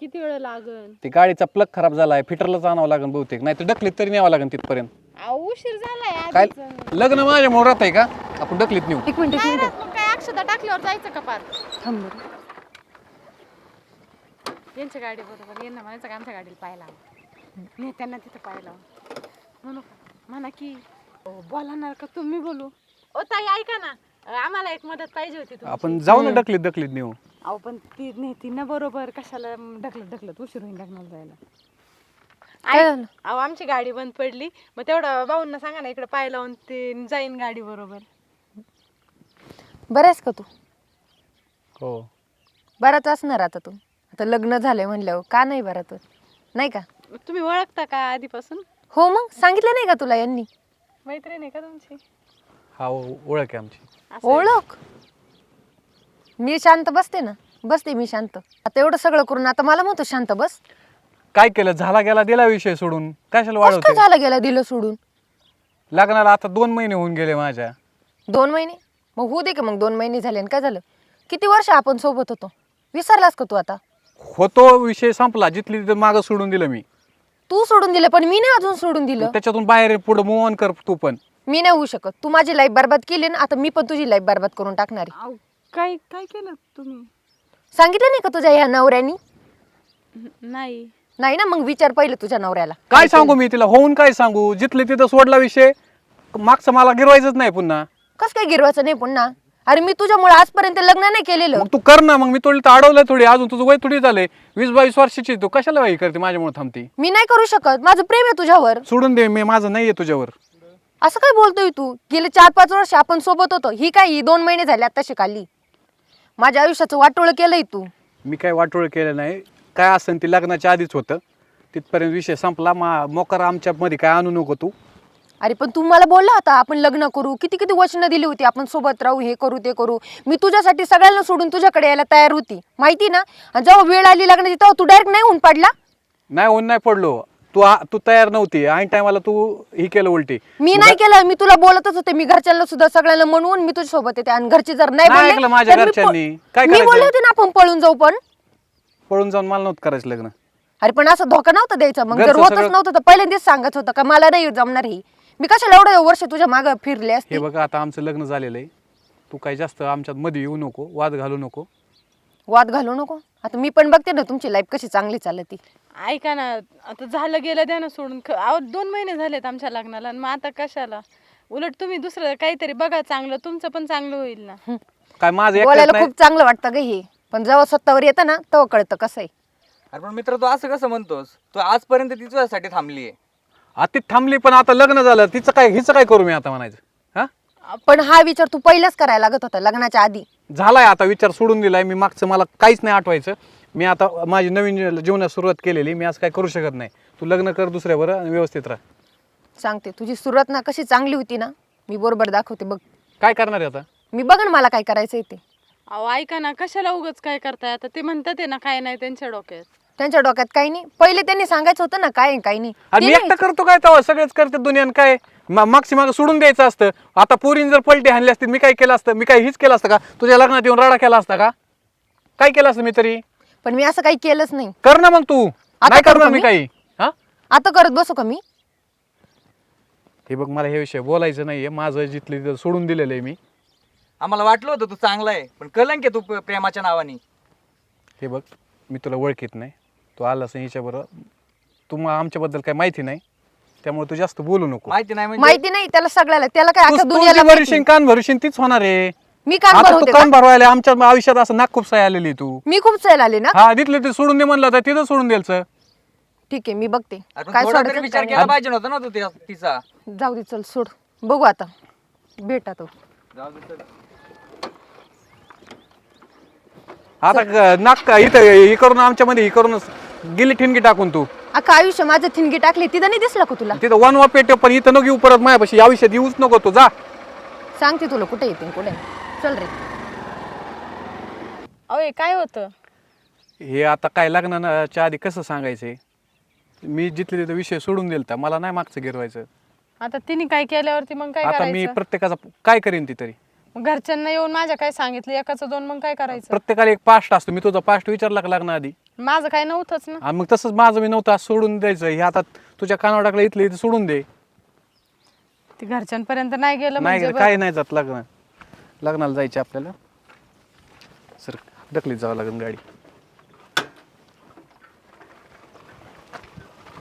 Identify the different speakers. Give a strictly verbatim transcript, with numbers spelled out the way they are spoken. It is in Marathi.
Speaker 1: किती वेळ लागन?
Speaker 2: ती गाडीचा प्लग खराब झालाय, फिटरलाच आणावं लागेल बहुतेक, नाही तर ढकलीत तरी न्यावं लागेल तिथपर्यंत.
Speaker 1: अहो, उशीर झालाय
Speaker 2: काय
Speaker 1: आधीच.
Speaker 2: लग्न माझ्या मोर आहे का आपण ढकलीत नेऊ?
Speaker 3: एक मिनिट एक
Speaker 1: नाही
Speaker 3: मिनिट
Speaker 1: राहत, मग काय अक्षदा टाकल्यावर जायचं का पार?
Speaker 3: थांब बरं.
Speaker 1: यांच्या गाडी बरोबर यांना म्हणायचं का आमच्या गाडीला पाहायला नेत्यांना तिथं पाहायला म्हणू का? म्हणा की अहो, बोलणार का तुम्ही बोलू? ओ ताई ऐका ना, आम्हाला एक मदत पाहिजे होती तुमची.
Speaker 2: आपण जाऊ ना ढकलीत ढकलीत नेऊ.
Speaker 1: अहो पण ती नेती ना बरोबर, कशाला ढकलत ढकलत उशीर होईल लग्नाला जायला.
Speaker 3: काय
Speaker 1: ऐक,
Speaker 3: झालं?
Speaker 1: अहो आमची गाडी बंद पडली, मग तेवढं भाऊंना सांगा ना इकडे पाय लावून ते जाईन गाडी बरोबर.
Speaker 3: बरं आहेस का तू?
Speaker 2: हो
Speaker 3: बराच असणार आता तू. आता लग्न झालंय म्हणल्यावर का नाही बरा तू? नाही का?
Speaker 1: तुम्ही ओळखता का आधीपासून?
Speaker 3: हो मग सांगितलं नाही का तुला यांनी?
Speaker 1: मैत्रीण आहे का तुमची?
Speaker 2: हा ओळख आहे आमची.
Speaker 1: असं आहे.
Speaker 3: ओळख? मी शांत बसते ना, बसते मी शांत. आता एवढं सगळं करून आता मला म्हणतो शांत बस.
Speaker 2: काय केलं, झाला गेला दिला विषय सोडून, कशाला
Speaker 3: कसं काय
Speaker 2: वाढवते?
Speaker 3: झालं गेला दिलं सोडून?
Speaker 2: लग्नाला आता दोन महिने होऊन गेले माझ्या.
Speaker 3: दोन महिने? मग होऊ दे का, मग दोन महिने झाले आणि काय झालं? किती वर्ष आपण सोबत होतो, विसरलास का तू आता?
Speaker 2: होतो विषय संपला, जिथली तिथं मागं सोडून दिलं मी.
Speaker 3: तू सोडून दिलं पण मी नाही अजून सोडून दिलं.
Speaker 2: त्याच्यातून बाहेर पुढे मूव ऑन कर तू पण.
Speaker 3: मी नाही होऊ शकत. तू माझी लाईफ बर्बाद केली ना, आता मी पण तुझी लाईफ बर्बाद करून टाकणार आहे.
Speaker 1: अहो, काय काय केलं तुम्ही?
Speaker 3: सांगितलं नाही का तुझ्या ह्या नवऱ्यानी?
Speaker 1: नाही.
Speaker 3: नाही ना, मग विचार पहिले तुझ्या नवऱ्याला.
Speaker 2: काय सांगू मी तिला, होऊन काय सांगू? जिथले तिथं सोडला विषय, मागचं मला गिरवायचंच नाही पुन्हा.
Speaker 3: कस काय गिरवायचं नाही पुन्हा? अरे मी तुझ्यामुळे आजपर्यंत लग्न नाही केलेलं.
Speaker 2: मग तू कर ना, मग मी थोडी तर अडवलंय थोडी, अजून तुझं वय थोडी झालंय, वीस बावीस वर्षाची, तू कशाला वाई करते माझ्यामुळे थांबते?
Speaker 3: मी नाही करू शकत, माझं प्रेम आहे तुझ्यावर.
Speaker 2: सोडून दे, मी माझं नाहीये तुझ्यावर.
Speaker 3: असं काय बोलतोय तू? गेले चार पाच वर्ष आपण सोबत होतो, ही काय ही दोन महिने झाले आता शिकाली. माझ्या आयुष्याचं वाटोळ केलंय तू.
Speaker 2: मी काय वाटोळ केलं नाही, काय असेल ते लग्नाच्या आधीच होतं, तिथपर्यंत विषय संपला. मा मोकार आमच्या मध्ये काय आणू नको तू.
Speaker 3: अरे पण तू मला बोलला होता आपण लग्न करू, किती किती वचनं दिली होती, आपण सोबत राहू, हे करू ते करू. मी तुझ्यासाठी सगळ्यांना सोडून तुझ्याकडे यायला तयार होती, माहिती ना. आणि जेव्हा वेळ आली लग्नाची तेव्हा तू डायरेक्ट नाही होऊन पडला.
Speaker 2: नाही होऊन नाही पडलो, तू आ- तू तयार नव्हती, ऐन टायमाला तू ही केलं उलटी.
Speaker 3: मी नाही केलं, मी तुला बोलतच होते, मी घरच्यांना सुद्धा सगळ्यांना म्हणून मी तुझ्या सोबत येते. आणि घरचे जर नाही
Speaker 2: नाही
Speaker 3: बोलले
Speaker 2: ऐकलं माझ्या
Speaker 3: तर मी
Speaker 2: घरच्यांनी.
Speaker 3: प-
Speaker 2: काय
Speaker 3: मी
Speaker 2: करायचं?
Speaker 3: बोलले होते ना आपण पळून जाऊ, पण
Speaker 2: पळून जाऊन मला नव्हतं करायचं लग्न.
Speaker 3: अरे पण असं धोका नव्हता द्यायचा. मग जर
Speaker 2: घरचं
Speaker 3: होतच
Speaker 2: सगळं-
Speaker 3: नव्हतं तर पहिल्यांदाच सांगत होतं का मला नाही जमणार ही. मी कशाला एवढं वर्ष तुझ्या मागं फिरले असते.
Speaker 2: हे बघा आता आमचं लग्न झालेलं आहे, तू काही जास्त आमच्यात मध्ये येऊ नको, वाद घालू नको.
Speaker 3: वाद घालू नको. आता मी पण बघते ना तुमची लाईफ कशी चांगली चालती.
Speaker 1: ऐका ना, आता झालं गेलं द्या ना सोडून. ख- अहो दोन महिने झालेत आमच्या लग्नाला, आणि मग आता कशाला? उलट तुम्ही दुसरं काहीतरी बघा चांगलं, तुमचं पण चांगलं होईल ना.
Speaker 2: काय माझं एकट्यात
Speaker 3: बोलायला
Speaker 2: नाही.
Speaker 3: खूप चांगलं वाटतं ग हे, पण जेव्हा स्वतःवर येतं ना तेव्हा कळतं कसं आहे.
Speaker 4: अरे पण मित्र तू असं कसं म्हणतोस? तू आजपर्यंत ती तुझ्यासाठी थांबली आहे.
Speaker 2: आता ती थांबली, पण आता लग्न झालं, तिचं काय हिचं काय करू मी आता म्हणायचं? हा
Speaker 3: पण हा विचार तू पहिलाच करायला लागत होता लग्नाच्या आधी.
Speaker 2: झालाय, आता विचार सोडून दिलाय मी. मागचं मला काहीच नाही आठवायचं. मी आता माझी नवीन जीवनात सुरुवात केलेली, मी आज काय करू शकत नाही. तू लग्न कर दुसऱ्यावर आणि व्यवस्थित राह.
Speaker 3: सांगते तुझी सुरुवात ना कशी चांगली होती ना, मी बरोबर दाखवते बघ.
Speaker 2: काय करणार आहे आता?
Speaker 3: मी बघ ना मला काय करायचंय ते.
Speaker 1: अहो ऐका ना, कशाला उगाच काय करताय? आता ते म्हणतात आहे ना, काय नाही त्यांच्या डोक्यात.
Speaker 3: त्यांच्या डोक्यात काही नाही. पहिले त्यांनी सांगायचं होतं ना काय आहे, काही नाही.
Speaker 2: आणि
Speaker 3: ते
Speaker 2: मी
Speaker 3: नाही.
Speaker 2: एकटा करतो काय तेव्हा? सगळेच करते दुनियान. काय मा- मागची मागं सोडून द्यायचं असतं. आता पोरीन जर पलटी हाणली असती, मी काय केलं असतं? मी काय हीच केलं असतं का? तुझ्या लग्नात येऊन राडा केला असता का? काय केलं असतं मी तरी?
Speaker 3: पण मी असं काही केलंच नाही.
Speaker 2: कर ना मग तू. नाही
Speaker 3: करू
Speaker 2: करणार
Speaker 3: का
Speaker 2: मी
Speaker 3: मी?
Speaker 2: काही. हा
Speaker 3: आता करत बसू का मी?
Speaker 2: हे बघ, मला हे विषय बोलायचं नाहीये. माझं जिथलं तिथं सोडून दिलेलं आहे मी.
Speaker 4: आम्हाला वाटलं होतं तू चांगला आहे, पण कलंक आहे तू प- प्रेमाच्या नावाने.
Speaker 2: हे बघ, मी तुला ओळखीत नाही, तू आलास हिच्याबरोबर, तू मग आमच्याबद्दल काही माहिती नाही, त्यामुळे तू जास्त बोलू नको.
Speaker 4: माहिती नाही म्हणजे
Speaker 3: माहिती नाही त्याला सगळ्याला, त्याला काय
Speaker 2: तू-
Speaker 3: आता
Speaker 2: तू
Speaker 3: दुनियाला
Speaker 2: जी
Speaker 3: माहिती.
Speaker 2: भरशील, कान भरशील तीच होणार आहे.
Speaker 3: मी कान
Speaker 2: आता तू
Speaker 3: भरवते
Speaker 2: कान
Speaker 3: का?
Speaker 2: भरवायला आमच्या आयुष्यात असं नाक खूप साय आलेली आहे तू.
Speaker 3: मी खूप चल आले ना.
Speaker 2: हा, तिथलं ते सोडून दे म्हणलं तर तिथं सोडून द्यायचं.
Speaker 3: ठीक आहे मी बघते
Speaker 4: अरे पण
Speaker 3: काय
Speaker 4: थोडा तरी
Speaker 3: सोडायचं
Speaker 4: विचार
Speaker 3: काय
Speaker 4: केला पाहिजे नव्हता ना तू त्या- तिचा.
Speaker 3: नाही. जाऊ दे चल सोड, बघू आता भेटा तो.
Speaker 4: जाऊ दे चल.
Speaker 2: आता क- नाक इथं हे करून आमच्या मध्ये हे करून गेली ठिणगी टाकून तू
Speaker 3: अख्खा आयुष्य माझं थिणगी टाकली, तिथं नाही दिसलं का तुला?
Speaker 2: तिथं वन वा पेट, पण इथं नको येऊ परत माझ्यापाशी. या आयुष्यात येऊच नको तू. जा.
Speaker 3: सांगते तुला कुठे येते कुठे नाही. चल रे.
Speaker 1: अहो हे काय होतं?
Speaker 2: हे आता काय लग्नाच्या आधी कसं सांगायचंय? मी जिथले तिथं विषय सोडून दिलता, मला नाही मागचं गिरवायचं.
Speaker 1: आता तिने काय केल्यावरती मग काय
Speaker 2: आता मी
Speaker 1: करायचं?
Speaker 2: प्रत्येकाचा काय करेन ती तरी.
Speaker 1: मग घरच्यांना येऊन माझ्या काय सांगितलं एकाचं दोन, मग काय करायचं?
Speaker 2: प्रत्येकाला एक पास्ट असतो. मी तुझा पास्ट विचारला का लग्नाआधी?
Speaker 1: माझं काय नव्हतंच ना.
Speaker 2: आणि मग तसंच माझं मी नव्हतं, असं सोडून द्यायचं. हे आता तुझ्या कानावर टाकलं इथलं इथं सोडून दे.
Speaker 1: ते घरच्यांपर्यंत नाही गेलं
Speaker 2: नाही
Speaker 1: म्हणजे
Speaker 2: काही नाही जात लग्न. लग्नाला जायचे आपल्याला. सर ढकलीत जावं लागेल गाडी.